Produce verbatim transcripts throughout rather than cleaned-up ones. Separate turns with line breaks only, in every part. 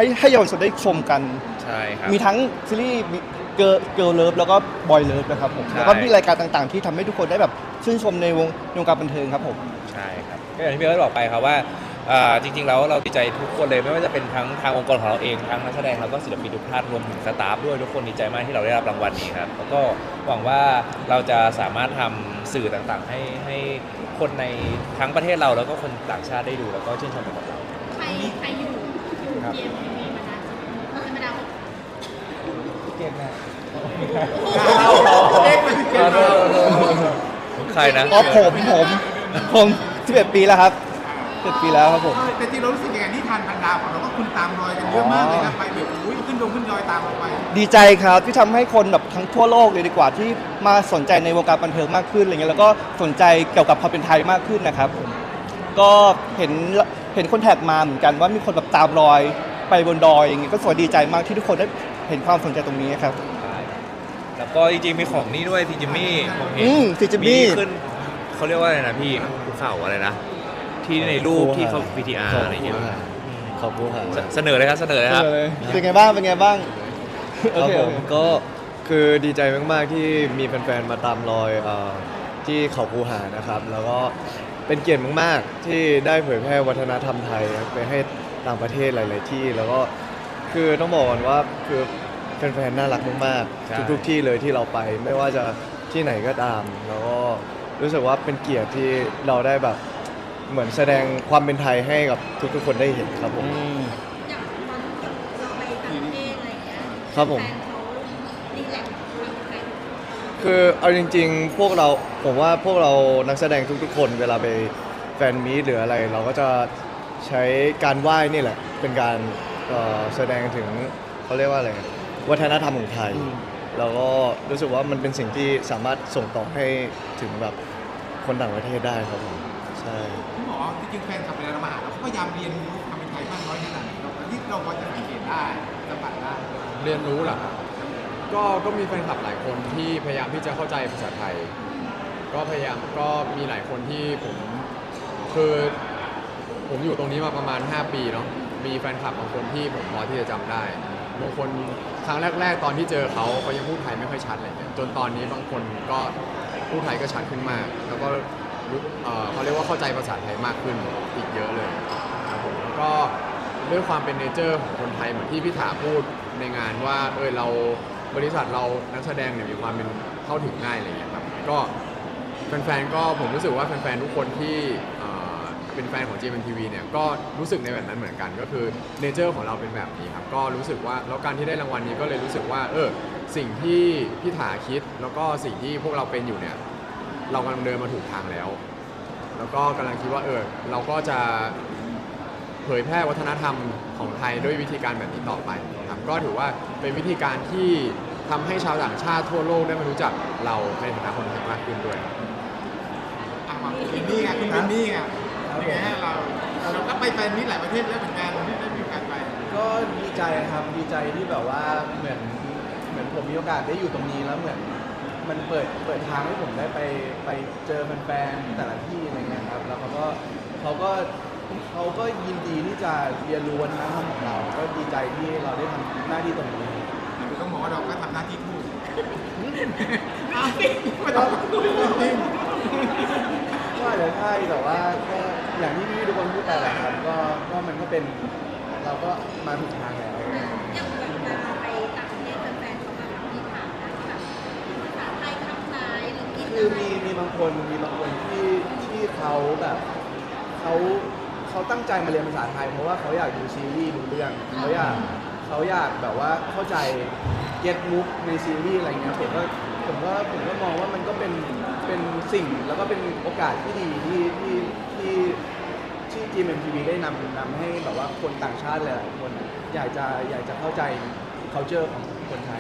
ให้ให้เยาวชนได้ชมกัน
ใช่ครับ
มีทั้งซีรีส์เกิร์ลเกิร์ลเลิฟแล้วก็บอยเลิฟนะครับผมแล้วก็มีรายการต่างๆที่ทำให้ทุกคนได้แบบชื่นชมในวงวงการบันเทิงครับผม
ใช่ครับก็อย่างที่พี่เอิร์ธบอกไปครับว่าจริงๆแล้วเราดีใจทุกคนเลยไม่ว่าจะเป็นทั้งทางองค์กรของเราเองทั้งนักแสดงแล้วก็ศิลปินทุกท่านรวมถึงสตาฟด้วยทุกคนดีใจมากที่เราได้รับรางวัลนี้ครับแล้วก็หวังว่าเราจะสามารถทำสื่อต่างๆให้ให้คนในทั้งประเทศเราแล้วก็คนต่างชาติได้ดูแล้วก็ชื่นชมไปกับเรา
ใครใครอยู่อยู่เกมมีมานานธรรมดา
เกมนะ
ใครนะ
อ๋อผมผมผมสิบเอ็ดปีแล้วครับสิบเอ็ดปีแล้วครับผม
แต่ที่เรารู้สึกยังไงที่ทานพันดาวของเราก็คุณตามรอยกันเยอะมากเลยนะไปแบบอุ้ยขึ้นดงขึ้นดอยตามเราไป
ดีใจครับที่ทำให้คนแบบทั้งทั่วโลกเลยดีกว่าที่มาสนใจในวงการบันเทิงมากขึ้นอะไรเงี้ยแล้วก็สนใจเกี่ยวกับความเป็นไทยมากขึ้นนะครับก็เห็นเห็นคนแท็กมาเหมือนกันว่ามีคนแบบตามรอยไปบนดอยอย่างเงี้ยก็สวยดีใจมากที่ทุกคนได้เห็นความสนใจตรงนี้ครับ
แล้วก็จริงๆมีของนี่ด้วยซีจิมี่ผมเห็น
ซีจิมี่
ขึ้นเขาเรียกว่าอะไรนะพี่ภูเขาอะไรนะที่ในรูปที่เขา วี ที อาร์ อะไรอย่างเงี้ย
ขอบคุณครับ
เสนอเลยครับเสนอเลยครับ
เป็นไงบ้างเป็นไงบ้าง
ครับผมก็คือดีใจมากๆที่มีแฟนๆมาตามรอยที่เขาคูหานะครับแล้วก็เป็นเกียรติมากๆที่ได้เผยแพร่วัฒนธรรมไทยไปให้ต่างประเทศหลายๆที่แล้วก็คือต้องบอกก่อนว่าคือแฟนๆน่ารักมากๆทุกๆที่เลยที่เราไปไม่ว่าจะที่ไหนก็ตามแล้วก็รู้สึกว่าเป็นเกียรติที่เราได้แบบเหมือนแสดงความเป็นไทยให้กับทุกๆคนได้เห็นครับผม
อย่างตอนเราไปต่างประเทศอะไรอย่างเงี้ย
ครับผม
รีแลกซ์ไทย
คือเอาจริงๆพวกเราผมว่าพวกเรานักแสดงทุกๆคนเวลาไปแฟนมีตหรืออะไรเราก็จะใช้การไหว้นี่แหละเป็นการแสดงถึงเขาเรียกว่าอะไรวัฒนธรรมของไทยแล้วก็รู้สึกว่ามันเป็นสิ่งที่สามารถส่งต่อให้ถึงแบบคนต่างประเทศได้ครับผมใช่
คุณหมอที่จริงแฟนคลับเวลาเรามาหาเราเขาพยายามเรียนรู้ความเป็นไทยมากน้อยขนาดไหนเราที่เราพอจะสังเกตได้สัมผัสได้
เรียนรู้เหรอครับก็ก็มีแฟนคลับหลายคนที่พยายามที่จะเข้าใจภาษาไทยก็พยายามก็มีหลายคนที่ผมคือผมอยู่ตรงนี้มาประมาณห้าปีเนาะมีแฟนคลับบางคนที่ผมพอที่จะจำได้บางคนครั้งแรกๆตอนที่เจอเขาเขายังพูดไทยไม่ค่อยชัดอะไรเงี้ยจนตอนนี้บางคนก็พูดไทยก็ชัดขึ้นมากแล้วก็เขาเรียกว่าเข้าใจภาษาไทยมากขึ้นอีกเยอะเลยครับผมแล้วก็ด้วยความเป็นเนเจอร์ของคนไทยเหมือนที่พี่ถาพูดในงานว่าเออเราบริษัทเรานักแสดงเนี่ยมีความเป็นเข้าถึงง่ายอะไรเงี้ยครับก็แฟนๆก็ผมรู้สึกว่าแฟนๆทุกคนที่เป็นแฟนของ จี เอ็ม ที วี เนี่ยก็รู้สึกในแบบนั้นเหมือนกันก็คือเนเจอร์ของเราเป็นแบบนี้ครับก็รู้สึกว่าแล้วการที่ได้รางวัลนี้ก็เลยรู้สึกว่าเออสิ่งที่พี่ถาคิดแล้วก็สิ่งที่พวกเราเป็นอยู่เนี่ยเรากำลังเดินมาถูกทางแล้วแล้วก็กำลังคิดว่าเออเราก็จะเผยแพร่วัฒนธรรมของไทยด้วยวิธีการแบบนี้ต่อไปครับก็ถือว่าเป็นวิธีการที่ทำให้ชาวต่างชาติทั่วโลกได้มารู้จักเราในฐานะคนไทยมากขึ้นด้วย
อ่ะมาคุณนี่ไงคุณเป็นนี่ไงยังไงฮะเราเราก็ไปแฟนมิตรหลายประเทศแล้วเหมือนกันที่ได้มีโอกาสไป
ก็ดีใจครับดีใจที่แบบว่าเหมือนเหมือนผมมีโอกาสได้อยู่ตรงนี้แล้วเหมือนมันเปิดเปิดทางให้ผมได้ไปไปเจอแฟนๆแต่ละที่อะไรเงี้ยครับแล้วเขาก็เขาก็เขาก็ยินดีที่จะเรียนรู้วัฒนธรรมของเราก็ดีใจที่เราได้ทำหน้าที่ตรงนี้
คือต้องบอกว่าเราก็ทำหน้าที่ถูก
ไม่ต้องจริงก็อาจจะใช่แต่ว่าก็อย่างที่พี่ทุกคนพูดไปแหละครับก็ก็มันก็เป็นเราก็มาถูกทางแล้ว
อย่างแบบเวลาไปต่างประเทศแฟนๆเขาแบบมีถามนะแบบภาษาไทยคำไทยหรือกิน
คือมีมีบางคนมีบางคนที่ที่เขาแบบเขาเขาตั้งใจมาเรียนภาษาไทยเพราะว่าเขาอยากดูซีรีส์ดูเรื่องเขาอยากเขาอยากแบบว่าเข้าใจเก็ตมุกในซีรีส์อะไรเงี้ยผมก็ผมก็ผมก็มองว่ามันก็เป็นเป็นสิ่งแล้วก็เป็นโอกาสที่ดีที่ที่ที่ที่ จี เอ็ม ที วี ได้นำนำให้แบบว่าคนต่างชาติหลายคนอยากจะอยากจะเข้าใจ culture ของคนไทย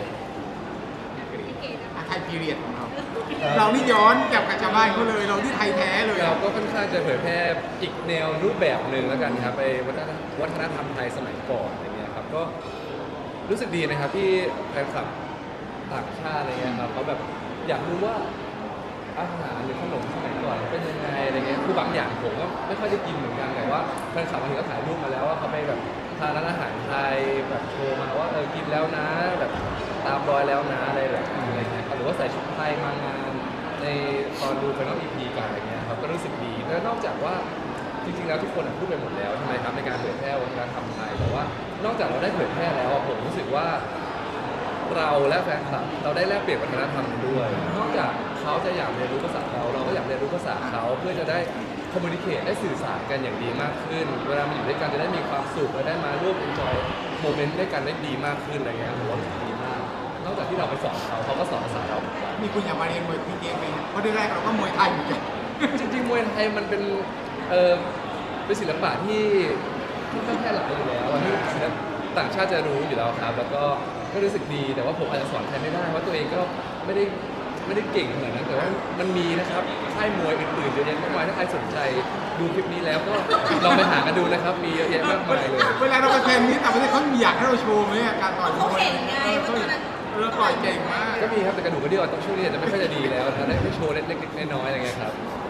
ไทยพีเรียดของเราเรานี่ย้อนกลับกับชาวบ้านเขาเลยเราที่ไทยแท้เลย
เราก็ค่อนข้างจะเผยแพร่อีกแนวรูปแบบหนึ่งแล้วกันครับไปวัฒนธรรมไทยสมัยก่อนอะไรเงี้ยครับก็รู้สึกดีนะครับที่แฟนคลับต่างชาติอะไรเงี้ยครับเขาแบบอยากรู้ว่าอาหารหรือขนมสมัยก่อนเป็นยังไงอะไรเงี้ยคือบางอย่างผมก็ไม่ค่อยได้กินเหมือนกันแต่ว่าแฟนคลับบางทีก็ถ่ายรูปมาแล้วว่าเขาไปแบบ
ทางร้านอาหารไทยแบบโทรมาว่าเออกินแล้วนะแบบตามรอยแล้วนะอะไรแบบนี้อะไรเงี้ยหรือว่าใส่ชุดไทยมางานในตอนดูไฟนอลอีพีกันอะไรเงี้ยครับก็รู้สึกดีแล้วนอกจากว่าจริงๆแล้วทุกคนพูดไปหมดแล้วใช่ไหมครับในการเผยแพร่วัฒนธรรมไทยแต่ว่านอกจากเราได้เผยแพร่แล้วอะผมรู้สึกว่าเราและแฟนคลับเราได้แลกเปลี่ยนวัฒนธรรมกันด้วย นอกจากเขาจะอยากเรียนรู้ภาษาเราเราก็อยากเรียนรู้ภาษาเขาเพื่อจะได้คอมมูนิเคชได้สื่อสารกันอย่างดีมากขึ้น เวลามาอยู่ด้วยกันจะได้มีความสุขและได้มาร่วมเอนจอยโมเมนต์ด้วยกันได้ดีมากขึ้นอะไรเงี้ยผมว่าดีมาก นอกจากที่เราไปสอนเขาเขาก็สอนภาษาเราเหมือนกัน
มีคุณอยากมาเรียนมวยพีเกมเองเพราะแรกเราก็มวยไทยเหมือนกัน
จริงๆมวยไทยมันเป็นเออเป็นศิลปะที่ที่ค่อนข้างแพร่หลายอยู่แล้วอะที่ศิลปต่างชาติจะรู้อยู่แล้วครับแล้วก็ก็รู้สึกดีแต่ว่าผมอาจจะสอนใครไม่ได้เพราะตัวเองก็ไม่ได้ไม่ได้เก่งขนาดนั้นแต่ว่ามันมีนะครับค่ายมวยอื่นๆเยอะแยะมากมายถ้าใครสนใจดูคลิปนี้แล้วก็ลองไปหากันดูนะครับมีเยอะแยะมากมายเลย
เวลาเราไปแฟนนี้แต่ประเทศเขามีอยากให้เราโชว์ไหมอะการต่อยมวย
เขาเก่งไง
เออ
เพราะตอนนั้น
เราต่อยเก่งมาก
ก็มีครับแต่กระดูกกระเดี่ยวตอนช่วงนี้อาจจะไม่ค่อยจะดีแล้วนะได้แค่โชว์เล็กๆน้อยๆอะไรเงี้ยครับก็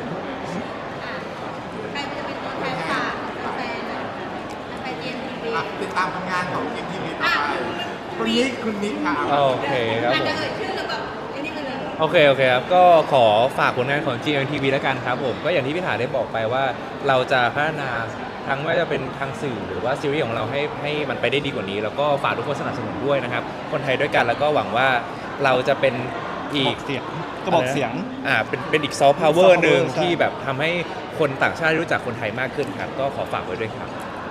ใครจะเป็นตัวแทนฝากแฟนๆนะแฟนเอ็มทีวี
อ่ะติดตามผลงานของเกมทีวีต่อไปคุณนิกคุณนิกค่ะ
โอเคครับ
อาจ
ผ
จะ
ม
เอ่ยชื่อแล้วก็อันนี้ไปเลย
โอเคโอเคครับก็ขอฝากผลงานของ จี เอ็ม ที วี แล้วกันครับผมก็อย่างที่พี่ถาได้บอกไปว่าเราจะพัฒนาทั้งไม่ว่าจะเป็นทางสื่อหรือว่าซีรีส์ของเราให้ให้มันไปได้ดีกว่านี้ แล้วก็ฝากทุกคนสนับสนุนด้วยนะครับคนไทยด้วยกันแล้วก็หวังว่าเราจะเป็นอีก
กระบอกเสียง
อ่าเป็นเป็นอีกซอฟต์พาวเวอร์
soft power
หนึ่ง
ใช่
ที่แบบทำให้คนต่างชาติรู้จักคนไทยมากขึ้นครับก็ขอฝากไว้ด้วยครับ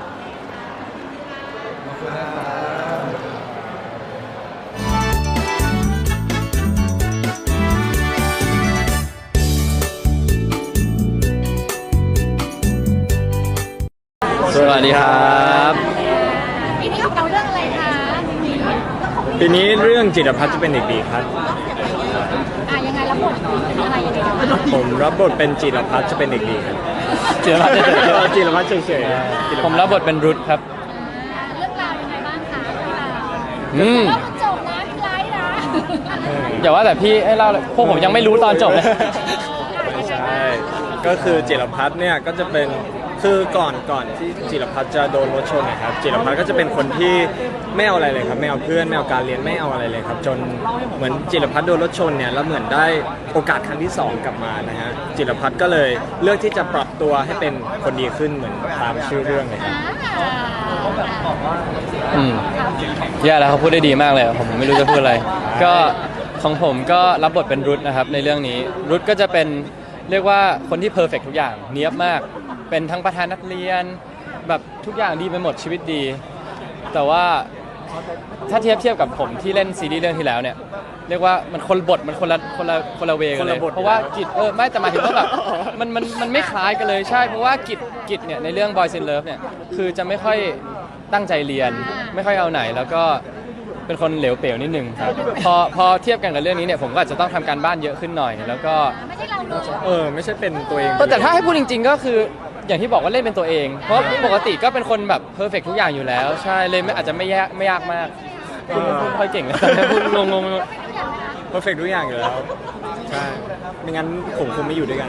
ขอบคุณนะครับ
สวัสดีครับ
ปีนี้เราเรื่องอะไรคะ
ปีนี้เรื่องจิตรพัฒน์จะเป็นเด็กดีครับ
อ่ะยังไงแล้วบทเป็นอะไรยังไงกันบ้าง
ผมรับบทเป็นจิตรพัฒน์จะเป็นเด็กดีครับ
จิรพัฒน์เฉยๆ
จิตรพัฒน์เฉยๆ
ผมรับบทเป็นรุทครับ
อ่าเรื่องราวยังไงบ้างคะเรื่องราว
อืม
แล้วมันจบนะพี่ไลท์นะ
อย่าว่าแต่พี่ให้เล่าเลยพวกผมยังไม่รู้ตอนจบเลย
ไม่ใช่ ก็คือจิรพัฒน์เนี่ยก็จะเป็นคือก่อนก่อนที่จิรพัฒน์จะโดนรถชนนะครับจิรพัฒน์ก็จะเป็นคนที่ไม่เอาอะไรเลยครับไม่เอาเพื่อนไม่เอาการเรียนไม่เอาอะไรเลยครับจนเหมือนจิรพัฒน์โดนรถชนเนี่ยแล้วเหมือนได้โอกาสครั้งที่สองกลับมานะฮะจิรพัฒน์ก็เลยเลือกที่จะปรับตัวให้เป็นคนดีขึ้นเหมือนตามชื่อเรื่องเลยครับ
อืมแย่แล้วเขาพูดได้ดีมากเลยผมไม่รู้จะพูดอะไร ก็ของผมก็รับบทเป็นรุทนะครับในเรื่องนี้รุทก็จะเป็นเรียกว่าคนที่เพอร์เฟกทุกอย่างเนียบมาก เป็นทั้งประธานนักเรียนแบบทุกอย่างดีไปหมดชีวิตดี แต่ว่าถ้าเทียบเทียบกับผมที่เล่นซีรีส์เรื่องที่แล้วเนี่ยเรียกว่ามันคนละบทมันคนละคนละคนละเวกันเลย
คนละบท
เพราะว่ากิจเออไม่แต่หมายถึงว่าแบบมันมันมันไม่คล้ายกันเลยใช่เพราะว่ากิจกิจเนี่ยในเรื่อง Boys in Love เนี่ยคือจะไม่ค่อยตั้งใจเรียน ไม่ค่อยเอาไหนแล้วก็เป็นคนเหลวเป๋วนิดนึงครับพอพอเทียบกันกับเรื่องนี้เนี่ยผมก็อาจจะต้องทำการบ้านเยอะขึ้นหน่อย แล้วก็
ไม่ใช่เราเลย
เออไม่ใช่เป็นตัวเอง
เออแต่ถ้าให้พูดจริง ๆ ก็คืออย่างที่บอกว่าเล่นเป็นตัวเอง เพราะปกติก็เป็นคนแบบเพอร์เฟกทุกอย่างอยู่แล้ว ใช่เลยไม่อาจจะไม่ยากไม่ยากมากพูดพูดไม่ค่อยเก่งเลยพูดงงงๆ
เพอร์เฟกทุกอย่างอยู่แล้วใช่ไม่งั้นผมคงไม่อยู่ด้วยกัน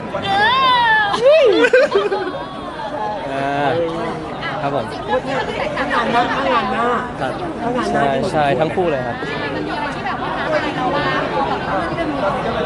อ่าครับผม
เรื่องนี้มันแตกต่างกันมากเลย
ครับใช่ใช่ทั้งคู่เลยครับ
มันมีอะไรที่แบบว่าท้าทายเราบ้างแบบเรื่องที่เป็น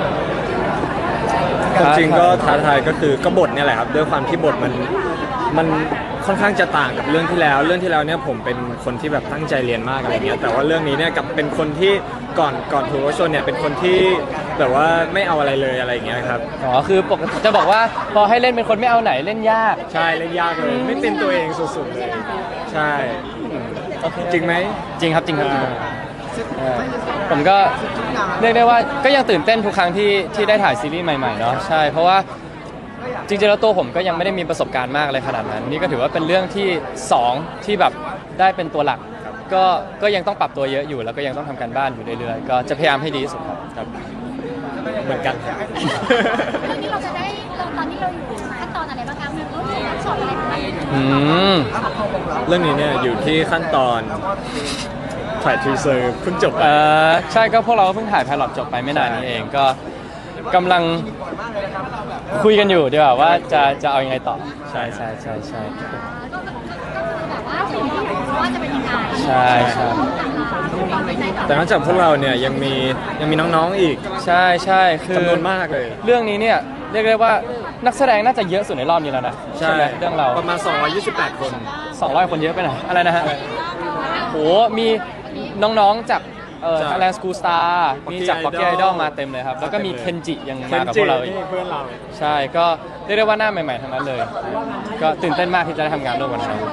ความจริงก็ท้าทายก็คือก็บทเนี่ยแหละครับด้วยความที่บทมันมันค่อนข้างจะต่างกับเรื่องที่แล้ว เรื่องที่แล้วเนี่ยผมเป็นคนที่แบบตั้งใจเรียนมากอะไรเงี้ยแต่ว่าเรื่องนี้เนี่ยกับเป็นคนที่ก่อนก่อนถูกรถชนเนี่ยเป็นคนที่แบบว่าไม่เอาอะไรเลยอะไรเงี้ยครับ
อ๋อคือปกติจะบอกว่าพอให้เล่นเป็นคนไม่เอาไหนเล่นยาก
ใช่เล่นยากเลยไม่เป็นตัวเองสุดๆเลยใช่จริงไหม
จริงครับจริงครับจริงครับเออผมก็เรียกได้ว่าก็ยังตื่นเต้นทุกครั้งที่ที่ได้ถ่ายซีรีส์ใหม่ๆเนาะใช่เพราะว่าจริงๆแล้วตัวผมก็ยังไม่ได้มีประสบการณ์มากอะไรขนาดนั้น นี่ก็ถือว่าเป็นเรื่องที่สองที่แบบได้เป็นตัวหลัก ก็ก็ยังต้องปรับตัวเยอะอยู่ แล้วก็ยังต้องทำการบ้านอยู่เรื่อยๆก็จะพยายามให้ดีที่สุดครับครับ
เหมือนกัน
เรื่องนี้เราจะได้เราตอนนี้เราอยู่ขั้นตอนอะไรบ้างคะมันรู้สึกว่าสอบอะไรบ้าง
อืม
เรื่องนี้เนี่ยอยู่ที่ขั้นตอนถ่ายทีเซอร์เพิ่งจบ
เออใช่ก็พวกเราก็เพิ่งถ่ายไพลอตจบไปไม่นานนี้เองก็กำลังคุยกันอยู่ดีกว่าว่าจะจะเอายังไงต่อใช่ใช่ใช่ใช่
ก็ก็คือแบบว่าสิ่งที่ว่าจะเป็นยังไง
ใช่ใช่
แต่นอกจากพวกเราเนี่ยยังมียังมีน้องๆอีก
ใช่ใช่คือ
จำนวนมากเลย
เรื่องนี้เนี่ยเรียกได้ว่านักแสดงน่าจะเยอะสุดในรอบนี้แล้วนะไหมเรื่องเรา
ประมาณ สองร้อยยี่สิบแปด คน
สองร้อยคนเยอะไปหน่อยอะไรนะฮะโหมีน้องๆจากเอ่อ
จาก
Thailand School Star มีจาก
Pocky
Pocky
Idol
Idol มาเต็มเลยครับ แล้วก็มี
มา
เคน
เต็มเลย
จิยัง
เคน
มากับพ
จิ
วกเราอีก
นี่เพื่อนเรา
ใช่ก็เรียกได้ว่าหน้าใหม่ๆทั้งนั้นเลย ก็ตื่นเต้นมากที่จะได้ทำงานร่วมกันครับ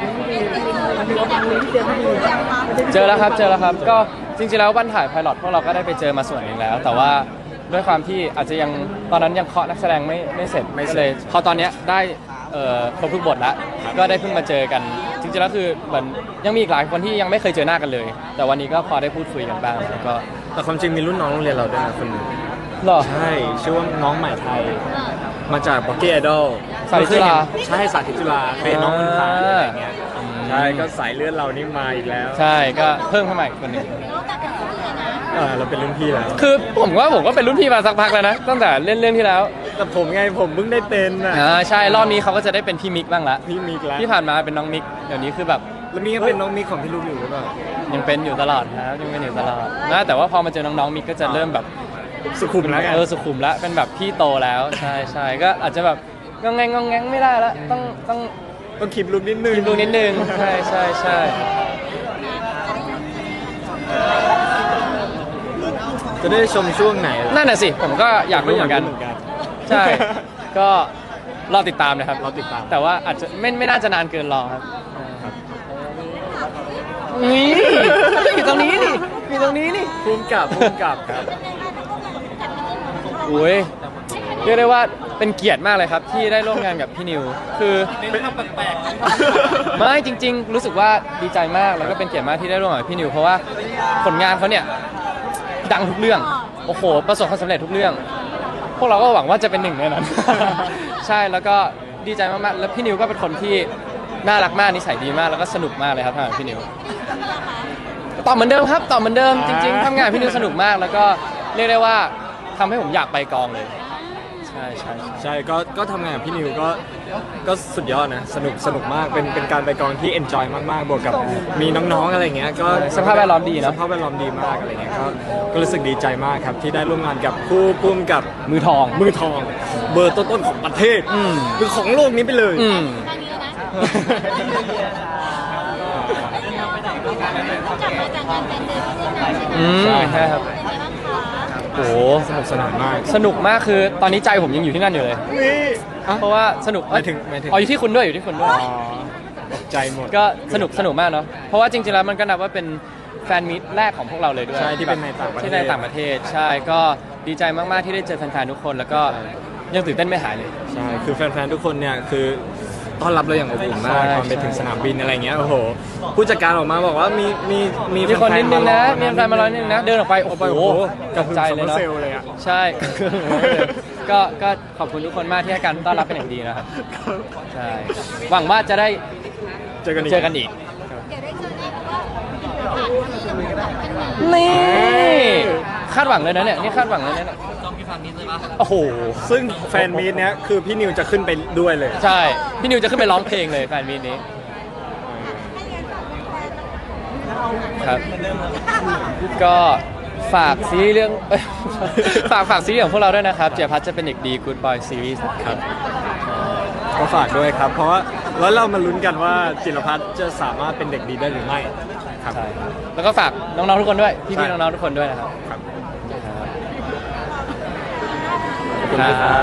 เจอแล้วครับเจอแล้วครับก็จริงๆแล้ววันถ่ายไพลอตพวกเราก็ได้ไปเจอมาส่วนหนึ่งแล้ว แต่ว่าด้วยความที่อาจจะยังตอนนั้นยังเคาะนักแสดงไม่ไม่เสร็จ
ไม่เสร็จ
ก็เลยพอตอนเนี้ยได้เอ่อครบทุกบทแล้วก็ได้เพิ่งมาเจอกัน จริงๆแล้วคือเหมือนยังมีอีกหลายคนที่ยังไม่เคยเจอหน้ากันเลย แต่วันนี้ก็พอได้พูดคุยกันบ้างแล้วก็
แต่ความจริงมีรุ่นน้องโรงเรียนเราด้วยนะคนหนึง
หรอ
ใช่ชื่อว่าน้องใหม่ไทย มาจากบ็อกกี้ไอดอล
สาธิตจุฬา
ใช่สาธิตจุฬาเป็นน้องมันพาอะไรอย่างเงี้ย
อืม
ใช่ก็สายเลือดเรานี่มาอีกแล้ว
ใช่ก็เพิ่มเข้ามาอีกคนหนึ่ง
เออเราเป็นรุ่นพี่แล้ว
คือผมว่าผมก็เป็นรุ่นพี่มาสักพักแล้วนะตั้งแต่เล่นเรื่องที่แล้ว
แต่ผมไงผมเพิ่งได้เป็นอ่ะ
อ่าใช่รอบนี้เขาก็จะได้เป็นพี่มิกบ้างละ
พี่มิกแล้ว
ที่ผ่านมาเป็นน้องมิกเดี๋ยวนี้คือแบบ
แล้วมีก็เป็นน้องมิกของพี่ลูกอยู่หรือเปล่า
ยังเป็นอยู่ตลอดครับยังเป็นอยู่ตลอดนะแต่ว่าพอมาเจอน้องๆมิกก็จะเริ่มแบบ
สุขุมแล้วกัน
เออสุขุมแล้วเป็นแบบพี่โตแล้วใช่ใช่ก็อาจจะแบบงองแงงงองแงงไม่ได้ละต้องต้อง
ต้องคิดลุกนิดนึง
กินดูนิดนึงใช่ใช่ใช่
จะได้ชมช่วงไหน
นั่นน่ะสิผมก็อยากรู้เหมือนกัน ใช่ ก็รอติดตามนะครับ
เราติดตาม
แต่ว่าอาจจะไม่ไม่น่าจะนานเกินรอครับนี่อยู่ตรงนี้นี่อยู่ตรงนี้นี่
ภูมิกับภูมิกับครับ
โอ้ยเรียกได้ว่าเป็นเกียรติมากเลยครับ ที่ได้ร่วมงานกับพี่นิว คือไม่จริง ๆ รู้สึกว่าดีใจมากแล้วก็เป็นเกียรติมากที่ได้ร่วมงานกับพี่นิว เพราะว่าผลงานเขาเนี่ยดังทุกเรื่องโอ้โหประสบความสำเร็จทุกเรื่อง พวกเราก็หวังว่าจะเป็นหนึ่งในนั้น ใช่แล้วก็ดีใจมากๆแล้วพี่นิวก็เป็นคนที่น่ารักมากนิสัยดีมากแล้วก็สนุกมากเลยครับทำงานกับพี่นิวตอบเหมือนเดิมครับตอบเหมือนเดิมจริงๆทำงานกับพี่นิวสนุกมากแล้วก็เรียกได้ว่าทำให้ผมอยากไปกองเลยใช่ใช่ใช่
ใช่ก็ก็ทำงานกับพี่นิวก็ก็สุดยอดนะสนุกสนุกมากเป็นเป็นการไปกองที่เอนจอยมากๆบวกกับมีน้องๆอะไรเงี้ยก็
สภาพแวดล้อมดีเนอะ
สภาพแวดล้อมดีมากอะไรเงี้ยก็ก็รู้สึกดีใจมากครับที่ได้ร่วมงานกับผู้พุ่มกับ
มือทอง
มือทอง เบอร์ต้นๆของประเทศ
อืม
หรือของโลกนี้ไปเลย
อืม อืมใช่ครับโอ้โห
สนุกสนานมาก
สนุกมากคือตอนนี้ใจผมยังอยู่ที่นั่นอยู่เลย
นี่อ่ะ
เพราะว่าสนุก
หมายถึงหมายถึง
อ๋ออยู่ที่คุณด้วยอยู่ที่คุณด้วย
อ๋อตกใจหมด
ก็สนุกสนุกมากเนาะเพราะว่าจริงๆแล้วมันก็นับว่าเป็นแฟนมิตแรกของพวกเราเลยด้วย
ใช่ที่เป็นในต่างประเทศ
ที่ในต่างประเทศใช่ก็ดีใจมากๆที่ได้เจอแฟนๆทุกคน แล้วก็ยังตื่นเต้นไม่หายเลย
ใช่คือแฟนๆทุกคนเนี่ยคือต้อนรับเราอย่างอบอุ่นมาก
ใช่
ตอนไปถึงสนามบินอะไรเงี้ยโอ้โหผู้จัดการออกมาบอกว่ามีมีมี
มีคนนิดนึงนะ
แฟ
มี
ๆ
แฟนมารอนิดนึงนะ เดินออกไป โอ้
โอ้
โห
โห
ตกใจเลยเนาะ
เซลเลยอ่ะ
ใช่ ก็ ก็ขอบคุณทุกคนมากที่ให้การต้อนรับเป็นอย่างดีนะครับ ใช่ หวังว่าจะได้
เจอกันอีก
เจอกันอีก
เดี๋ยวได้เจอแน่เพราะว่าผ่านมาที่มันแบบกันหนี
นี่ คาดหวังเลยนะเนี่ย นี่คาดหวังเลยนะเนี่ยโอ้โห
ซึ่งแฟนมีตเนี้ยคือพี่นิวจะขึ้นไปด้วยเลย
ใช่ พี่นิวจะขึ้นไปร้องเพลงเลยแฟนมีตนี้ ครับ ก็ฝากซีรีส์เรื่องเอ้ย ฝากฝากซีรีส์ของพวกเราด้วยนะครับ เจียพัฒน์จะเป็นเด็กดี Good Boy Series ครับ
ก็ฝากด้วยครับ เพราะว่าแล้วเรามาลุ้นกันว่าจิรพัฒน์จะสามารถเป็นเด็กดีได้หรือไม่ครับ
ใช่ครับแล้วก็ฝากน้องๆทุกคนด้วย พี่
ใช่
ๆน้องๆทุกคนด้วยนะครับ
ครับ
ขอบคุณครับ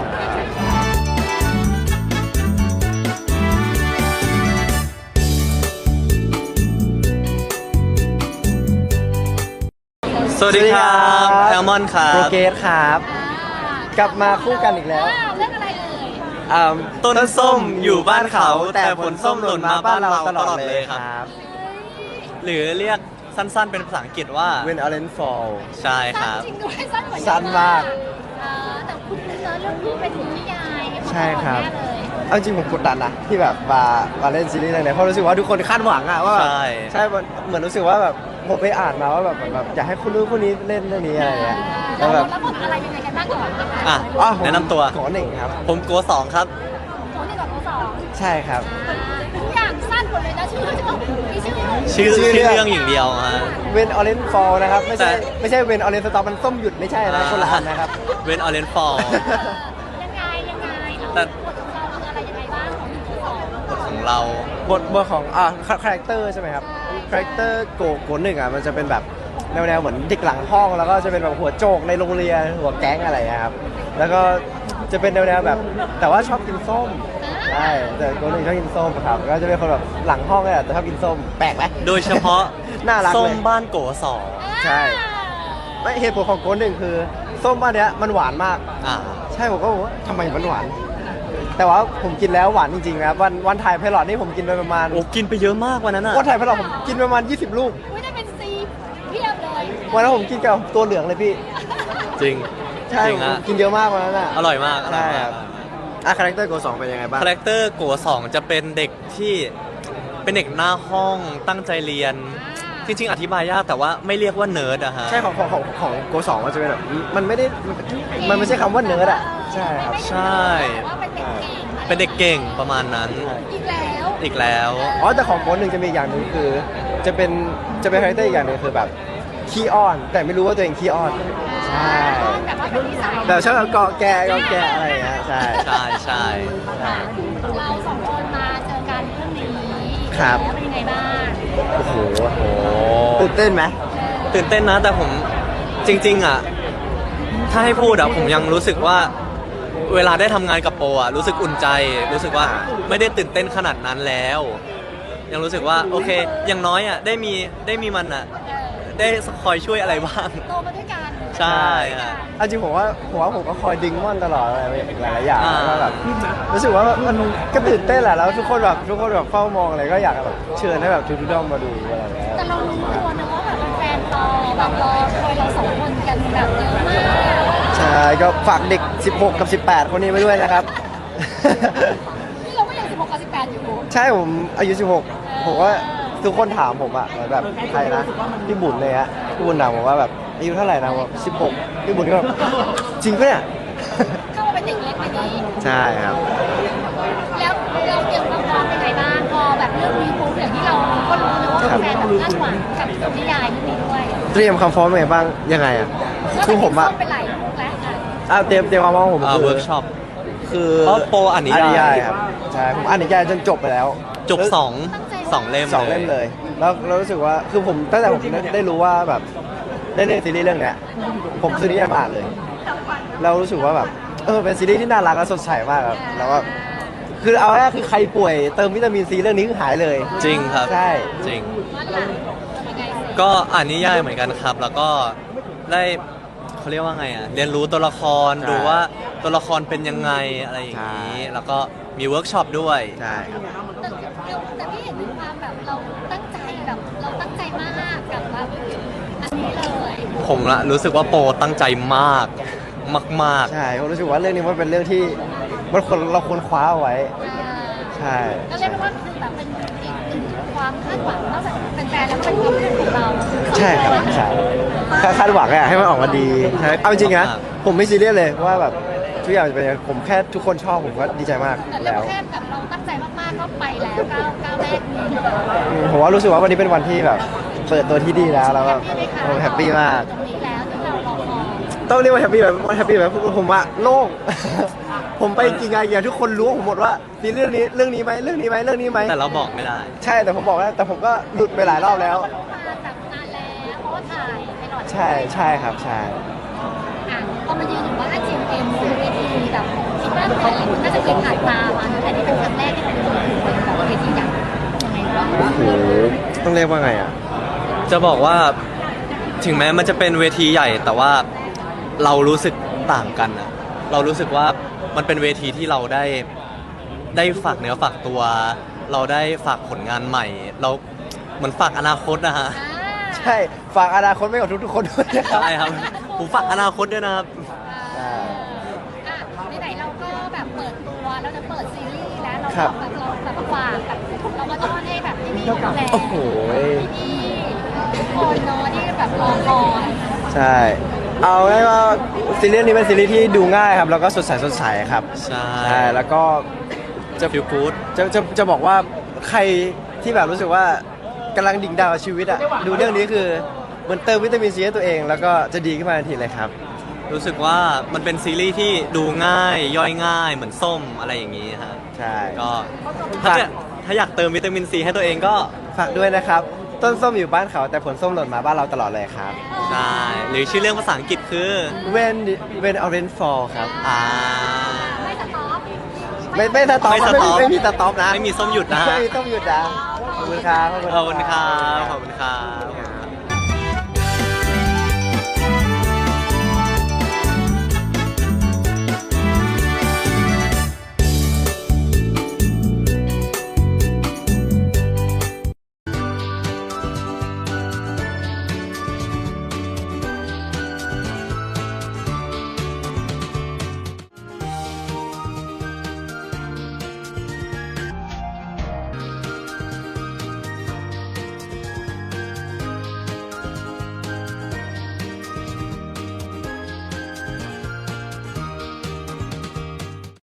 สวัสดีครับแอลมอนครั
โปร
บ
เกสครับ กลับมาคู่กันอีกแล้ว
เรื่องอะไรเอ่ย
อ่า
ต้นส้มอยู่บ้านเขา แต่ผลส้มหล่นมาบ้านเราตลอดเลยครับ หรือเรียกสั้นๆเป็นภาษาอังกฤษว่า
When Orange Fall
ใช่ค
สั้น
รับ
จริงด้วยสั้นกว่า
สั้นมาก
เออแต่คุณเนื้อเรื่องนี้เป็นนิยาย
ใช่ครับ
แน่เลย
เอาจริงผมกดดันนะที่แบบมามาเล่นซีรีส์เรื่องนี้เพราะรู้สึกว่าทุกคนคาดหวังอะว่าแบบ
ใช่
ใช่มันเหมือนรู้สึกว่าแบบผมไปอ่านมาว่าแบบเหมือนแบบอยากให้คุณรู้นคนนี้เล่นเรื่องนี้อะไรเงี้ยแล้วแบบ
แล้วบทอะไรยังไงกันบ้างก่อนนะคะ
อ่ะ
อ้าวผม
แนะนำตัว
ขอหนึ่งครับ
ผมโกสองครับ
โถนี่กับโถสอง
ใช่ครับ
ทุกอย่างสั้นหมดเลยนะ
ชื่อชื่อเรื่องอย่างเดียวฮะ
เวนออเรนฟอลนะครับไม่ใช่
แต่
ไม่ใช่เวนออเรนสตอปมันส้มหยุดไม่ใช่นะคนละอันนะครับ
เวนออเรนฟอล
ยังไงยังไง
แต่
บทของเราคืออะไรยังไงบ้างของหนึ่งสอง
ของเรา
บทบทของอ่าคาแรคเตอร์ใช่ไหมครับคาแรคเตอร์โกโกหนึ่งอ่ะมันจะเป็นแบบแนวแนวเหมือนเด็กหลังห้องแล้วก็จะเป็นแบบหัวโจกในโรงเรียนหัวแก๊งอะไรอะครับแล้วก็จะเป็นแนวแนวแบบแต่ว่าชอบกินส้มใช่แต่โกหนึ่งชอบกินส้มครับก็จะเป็นคนแบบหลังห้องเลยแต่ชอบกินส้มแปลกไหม
โดยเฉพาะ
น่ารักเลย
ส้มบ้านโกสอง
ใช่ไม่เหตุผลของโกหนึ่งคือส้มบ้านเนี้ยมันหวานมาก
อ่า
ใช่ผมก็บอกว่าทำไมมันหวาน แต่ว่าผมกินแล้วหวานจริงๆนะครับวันวันถ่ายไพลอตนี่ผมกินไปประมาณ
โอ้กินไปเยอะมากวันนั้นอ่ะ
วันถ่ายไพลอตผมกินประมาณยี่สิบลูก
อุ้ยได้เป็นซีเพียบเลย
วันนั้นผมกินกับตัวเหลืองเลยพี่
จริง
ใช่
จริง
ผม
ฮะ
กินเยอะมากวันนั้นอ่ะ
อร่อยมากอร่
ใช่
อย
ค
มา
รั
ก
บอ่ะคาแรคเตอร์โกสองเป็นยังไงบ้าง
คาแรคเตอร์โกสองจะเป็นเด็กที่เป็นเด็กหน้าห้องตั้งใจเรียน จริงๆ อธิบายยากแต่ว่าไม่เรียกว่าเนิร์ดอะฮะ
ใช่ของของของของโกสองมันจะเป็นแบบมันไม่ได้มันไม่ใช่คำว่าเนิร์ดอ่ะใช่ครับ
ใช่
ว่าเป็นเด็กเก่ง
เป็นเด็กเก่งประมาณนั้น
อีกแล้ว
อีกแล้ว
อ๋อแต่ของโกหนึ่งจะมีอีกอย่างหนึ่งคือ จะเป็นจะเป็นคาแรคเตอร์อีกอย่างหนึ่งคือแบบขี้อ้อน แต่ไม่รู้ว่าตัวเองขี้อ้อนใช่
แต่ว่าเป็นนิสัย
แบบชอบแบบเกาะแกะเกาะแกะอะไรอย่างเงี้ยใช่
ใช่ใช่
เราสองคนมาเจอกันเรื่องนี้
ครับ
แล้วเป็นยังไงบ้าง
โอ้โห
โอ้
ตื่นเต้นไหม
ตื่นเต้นนะแต่ผมจริงๆอะถ้าให้พูดอะผมยังรู้สึกว่าเวลาได้ทำงานกับโปอะรู้สึกอุ่นใจ รู้สึกว่าไม่ได้ตื่นเต้นขนาดนั้นแล้ว ยังรู้สึกว่าโอเค อย่างน้อยอะได้มีได้มีมันอะได้คอยช่วยอะไรบ้าง
โตมาด้วยกัน
ใช่ฮะ
เอาจริงผมว่าผมว่าผมก็คอยดึงม่อนตลอดอะไรหลายๆอย่าง
อ่า
แล้วก็แบบรู้สึกว่ามันก็ตื่นเต้นแหละแล้วทุกคนแบบทุกคนแบบเฝ้ามองอะไรก็อยากแบบเชิญให้แบบทุกๆด้อมมาดูอะไรอย่างเงี้ย
แต่เรารู้ตัวนะว่าแบบแฟนรอแบบรอคอยเราสองคนกันแบบเยอะมาก
ใช่ก็ฝากเด็ก สิบหก กับ สิบแปด คนนี้ไว้ด้วยนะครับ
นี่เราก็ยังสิบหกกับสิบแปดอยู่
ใช่ผมอายุ สิบหก ผมว่าทุกคนถามผมอะแบบใครนะพี่บุญเลยฮะพี่บุญถามผมว่าแบบอายุเท่าไหร่นะผมสิบหกพี่บุญก็แบบจริงปะเนี่ย
เข้ามาเป็นเด็กเล็กแบบนี้
ใช่ครับ
แล้วเราเตรียมความพร้อมยังไงบ้างพอแบบเรื่องนี้ปุ๊บอย่างที่เราก็รู้นะว่าแฟนแบบคาดหวังกับตัวนิยายเรื่องนี้ด้วย
เตรียมความพร้อมยังไงบ้างยังไงอะคือผมอะ
เป็นหลายลูกแล้วอ่ะ
อ่ะเตรียมเตรียมความพร้อมของผม
อ่า
คือ
เวิร์กช็อป
คือ
เพราะโปรอ่านนิยาย
ครับใช่ผมอ่านนิยายจนจบไปแล้ว
จบสองสองเล่ม
สองเล่มเลย แล้วเรารู้สึกว่าคือผมตั้งแต่ผมได้ได้รู้ว่าแบบได้เล่นซีรีส์เรื่องเนี้ยผมซื้อนิยายมาอ่านเลยเรารู้สึกว่าแบบเออเป็นซีรีส์ที่น่ารักและสดใสมากครับแล้วก็คือเอาแรกคือใครป่วยเติมวิตามินซีเรื่องนี้คือหายเลย
จริงครับ
ใช่
จริง
ว่าหลังจะเป็นไงสิ
ก็อ่านนิยายเหมือนกันครับ แล้วก็ได้เขาเรียกว่าไงอ่ะเรียนรู้ตัวละครดูว่าตัวละครเป็นยังไงอะไรอย่างนี้ แล้วก็มีเวิร์กช็อปด้วย
ใช่ครับ
แต่เราแต่พี่เห็นถึงความแบบเราตั้งใจแบบเราตั้งใจมากกับแบบอันนี้เลย
ผมละรู้สึกว่าโปรตั้งใจมากมาก
ใช่ผมรู้สึกว่าเรื่องนี้มันเป็นเรื่องที่มันควรเราควรคว้าเอาไว้ ใช่
ก็เรียกว่าคือแบบเป็นอีกหนึ่งความคาดหวังนอกจากเป็นแฟนแล้วก็เป็นความรู้ของเรา
ใช่ครับใช่คาคาดหวังอะให้มันออกมาดีใช่เอาจริงๆนะผมไม่ซีเรียสเลยว่าแบบทุกอย่างจะเป็นยังไงผมแค่ทุกคนชอบผมก็ดีใจมาก
แต่เรื่อ
แล้
ง
ว
แค่แบบเราตั้งใจมากๆก็ไปแล้วก้าวก้าวแรกนี้
อืมผมว่ารู้สึกว่าวันนี้เป็นวันที่แบบเปิดตัวที่ดีแล้วแล้วก็ผมแฮปปี้มาก
ตรงนี้แล้วที่เรารอคอย
ต้องเรียกว่าแฮปปี้แบบแฮปปี้แบบผมว่าโล่ง ผมไปจริงๆอย่างทุกคนรู้ผมหมดว่ามีเรื่องนี้เรื่องนี้ไหมเรื่องนี้ไหมเรื่องนี้ไหม
ๆ แต่เราบอกไม่ได้
ใช่แต่ผมบอกแล้วแต่ผมก็หลุดไปหลายรอบแล้ว
มาแบบนานแล้วเพราะว่าถ่ายไปหลอด
ใช่ใช่ครับใช่
อ่ะพอมายืนอยู่ว่าจีเอ็มบนเวทีแบบคิดว่าหลายคนน่าจะเคยผ่านตามาแต่นี่เป็นครั้งแรกที่เป็นแบบเวทีใหญ่ยังไงบ้าง
โอ้โหต้องเรียกว่าไงอ่ะ
จะบอกว่าถึงแม้มันจะเป็นเวทีใหญ่ แต่ว่าเรารู้สึกต่างกันอะเรารู้สึกว่ามันเป็นเวทีที่เราได้ได้ฝากเนื้อฝากตัว เราได้ฝากผลงานใหม่ เราเหมือนฝากอนาคตนะฮะ
ใช่ฝากอนาคตไว้กับทุกๆคนด้วยนะครับ
ใช่ครับผมฝากอนาคตด้วยนะครับ
ใช่
อ่ะไหนๆเราก็แบบเปิดตัวเราจะเปิดซีรีส์แล้วเรา
ครับ
แบบเราแบบฝากแบบเราก็ต้องให้แบบที่นี่ดูแล
โอ้โห
ที่ทุกคนเนาะที่แบบรอคอย
ใช่เอาง่ายว่าซีรีส์นี้เป็นซีรีส์ที่ดูง่ายครับแล้วก็สดใสสดใสครับ
ใช่
ใช่แล้วก็จะ
ฟิลกู๊ด
จะจะจะบอกว่าใคร
ที่แบบรู้สึกว่ากำลังดิ่งดาวกับชีวิตอ่ะดูเรื่องนี้คือมันเติมวิตามินซีให้ตัวเอง แล้วก็จะดีขึ้นมาทันทีเลยครับ
รู้สึกว่ามันเป็นซีรีส์ที่ดูง่ายย่อยง่ายเหมือนส้มอะไรอย่างนี้ฮะ
ใช่
ก็ถ้าจะถ้าอยากเติมวิตามินซีให้ตัวเองก็
ฝากด้วยนะครับ ต้นส้มอยู่บ้านเขาแต่ผลส้มหล่นมาบ้านเราตลอดเลยครับ
ใช่หรือชื่อเรื่องภาษาอังกฤษคือ
When When Orange Fall ครับ
อ่า
ไม่สต็อป
ไม่ไม่สต็อป
ไม่สต็อป
ไม่มีสต็อปนะ
ไม่มีส้มหยุดนะฮะ
ไม่มีส้มหยุดนะขอบคุณครับ
ขอบคุณครับขอบคุณครับ